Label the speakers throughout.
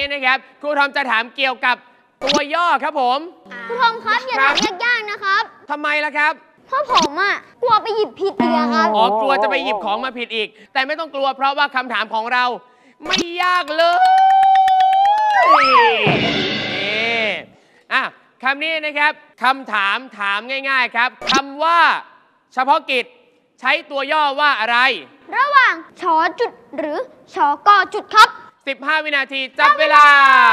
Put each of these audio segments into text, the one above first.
Speaker 1: นะครับครูทอมจะถามเกี่ยวกับตัวย่อครับผม
Speaker 2: ครูทอมครับอย่าถามยากๆนะครับ
Speaker 1: ทำไมล่ะครับ
Speaker 2: เพราะผมกลัวไปหยิบผิดอีกครับ
Speaker 1: อ๋อกลัวจะไปหยิบของมาผิดอีกแต่ไม่ต้องกลัวเพราะว่าคำถามของเราไม่ยากเลยนี่คำนี้นะครับคำถามง่ายๆครับคำว่าเฉพาะกิจใช้ตัวย่อว่าอะไร
Speaker 2: ระหว่างชอจุดหรือชอกอจุดครับ
Speaker 1: 15 วินาทีจับเวลา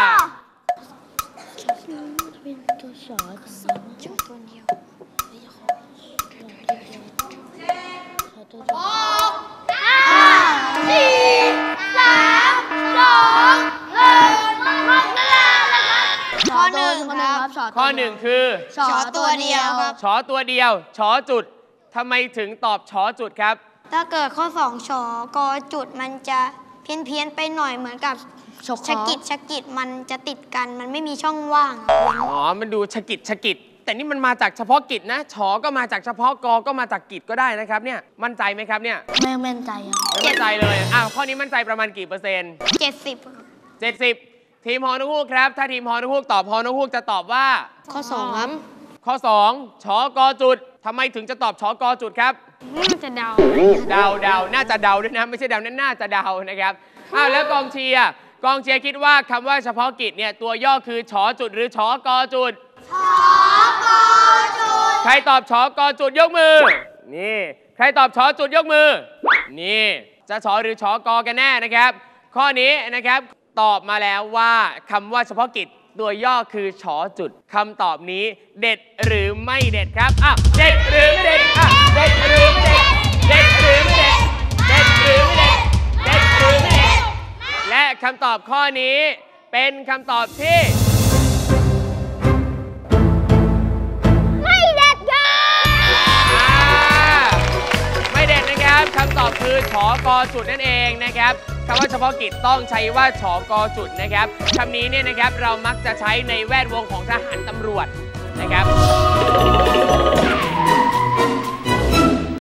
Speaker 1: ข้อ 1คือ
Speaker 2: ชอตัวเดียวครับ
Speaker 1: ชอตัวเดียวชอจุดทำไมถึงตอบชอจุดครับ
Speaker 2: ถ้าเกิดข้อ2ชอกอจุดมันจะเพี้ยนไปหน่อยเหมือนกับชะกิดมันจะติดกันมันไม่มีช่องว่าง
Speaker 1: อ๋อมันดูชะกิดแต่นี่มันมาจากเฉพาะกิจนะชอก็มาจากเฉพาะกอก็มาจากกิจก็ได้นะครับเนี่ยมั่นใจไหมครับเนี่ย
Speaker 2: ไม่มั่นใจครับ
Speaker 1: ไม่มั่นใจเลยข้อนี้มั่นใจประมาณกี่เปอร์เซ็นต์
Speaker 2: 70ครับ
Speaker 1: 70ทีมฮอนกฮูกครับถ้าทีมฮอนกฮูกตอบฮอนกฮูกจะตอบว่า
Speaker 2: ข้อ2ครับ
Speaker 1: ข้อ2ชอกอจุดทำไมถึงจะตอบชอกอจุดครับ
Speaker 2: น่าจะเดา
Speaker 1: น่าจะเดาด้วยนะไม่ใช่เดานั่นน่าจะเดานะครับแล้วกองเชียร์คิดว่าคำว่าเฉพาะกิจเนี่ยตัวย่อคือชอจุดหรือชอกอจุด
Speaker 2: ชอกอจุด
Speaker 1: ใครตอบชอกอจุดยกมือนี่ใครตอบชอจุดยกมือนี่จะชอหรือชอกอกันแน่นะครับข้อนี้นะครับตอบมาแล้วว่าคำว่าเฉพาะกิจตัวย่อคือชอจุดคำตอบนี้เด็ดหรือไม่เด็ดครับเด็ดหรือไม่เด็ดเด็ดหรือไม่เด็ดเด็ดหรือไม่เด็ดเด็ดหรือไม่เด็ดเด็ดหรือไม่เด็ดและคำตอบข้อนี้เป็นคำตอบที่
Speaker 2: ไม่เด็ดครับ
Speaker 1: ไม่เด็ดนะครับคำตอบคือชอกอจุดนั่นเองนะครับคำว่าเฉพาะกิจต้องใช้ว่าชกจุดนะครับคำนี้เนี่ยนะครับเรามักจะใช้ในแวดวงของทหารตำรวจนะครับ